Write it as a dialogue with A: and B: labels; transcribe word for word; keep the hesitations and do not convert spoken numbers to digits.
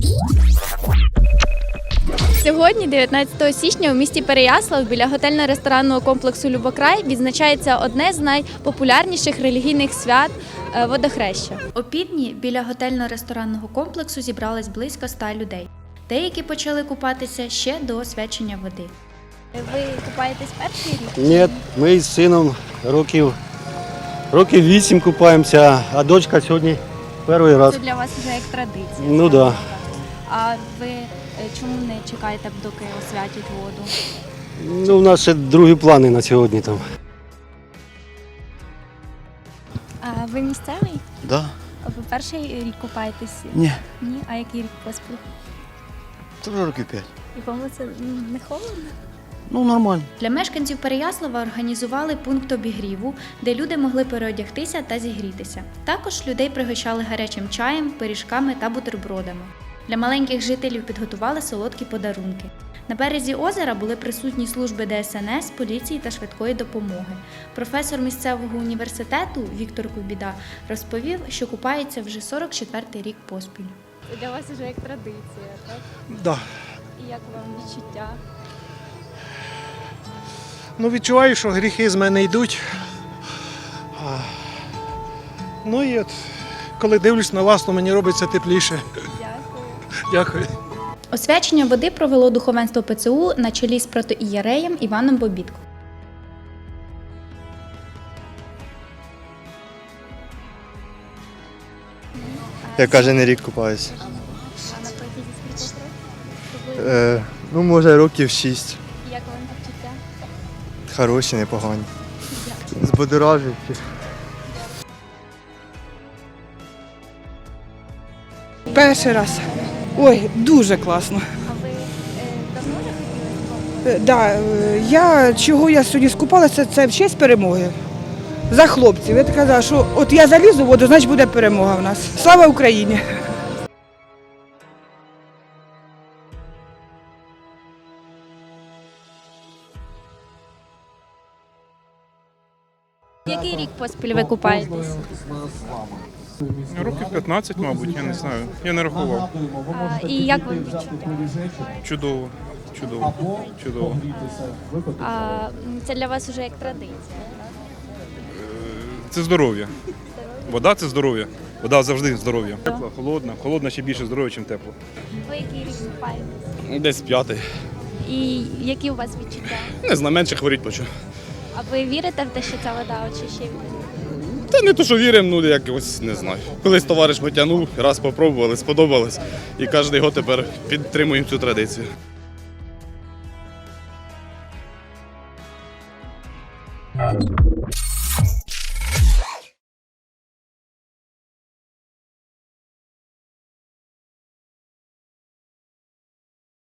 A: Сьогодні, дев'ятнадцятого січня, у місті Переяслав біля готельно-ресторанного комплексу «Любокрай» відзначається одне з найпопулярніших релігійних свят – водохреща. Опівдні біля готельно-ресторанного комплексу зібралось близько ста людей. Деякі почали купатися ще до освячення води. Ви купаєтесь перший рік?
B: Ні, ми з сином років, років вісім купаємося, а дочка сьогодні перший раз.
A: Це для вас вже як традиція.
B: Ну так. Да.
A: А ви чому не чекаєте, доки освятять воду?
B: Ну, у нас ще другі плани на сьогодні там.
A: А ви місцевий?
C: Да.
A: А ви перший рік купаєтесь?
C: Ні.
A: Ні? А який рік поспіль?
C: Це вже років п'ять.
A: І вам це не холодно?
C: Ну, нормально.
A: Для мешканців Переяслава організували пункт обігріву, де люди могли переодягтися та зігрітися. Також людей пригощали гарячим чаєм, пиріжками та бутербродами. Для маленьких жителів підготували солодкі подарунки. На березі озера були присутні служби Де Ес Ен Ес, поліції та швидкої допомоги. Професор місцевого університету Віктор Кубіда розповів, що купається вже сорок четвертий рік поспіль. Це для вас вже як традиція, так?
D: Да.
A: І як вам відчуття?
D: Ну, відчуваю, що гріхи з мене йдуть. А, Ну і от, коли дивлюсь на вас, то мені робиться тепліше.
A: Дякую.
D: Дякую.
A: Освячення води провело духовенство Пе Це У на чолі з протоієреєм Іваном Бобітко.
E: Я кожен рік купаюся.
A: А на протязі скількох років?
E: Е, ну, може, років шість.
A: Як вам відчуття?
E: Хороші, непогані. Збудоражуючі.
F: Перший раз. Ой, дуже класно.
A: А ви е, давно вже хотіли?
F: Е, Да, е, я, чого я сьогодні скупалася, це в честь перемоги. За хлопців. Я казала, що от я залізу в воду, значить буде перемога в нас. Слава Україні!
A: Який рік поспіль ви купаєтесь?
G: Років п'ятнадцять, мабуть, я не знаю. Я не рахував.
A: А, і як вам відчуття?
G: Чудово, чудово, чудово.
A: А, це для вас вже як традиція, так?
G: Це здоров'я. Вода – це здоров'я. Вода завжди здоров'я. Тепла, холодна. Холодна ще більше здоров'я, ніж тепло.
A: Ви який рік купаєтесь?
H: Десь п'ятий.
A: І які у вас відчуття?
H: Не знаю, менше хворіть почав.
A: А ви вірите в те, що ця вода очищує?
H: Та не то, що віримо, ну якось не знаю. Колись товариш потягнув, раз спробували, сподобалось. І кожен год тепер підтримуємо цю традицію.
I: Thank you.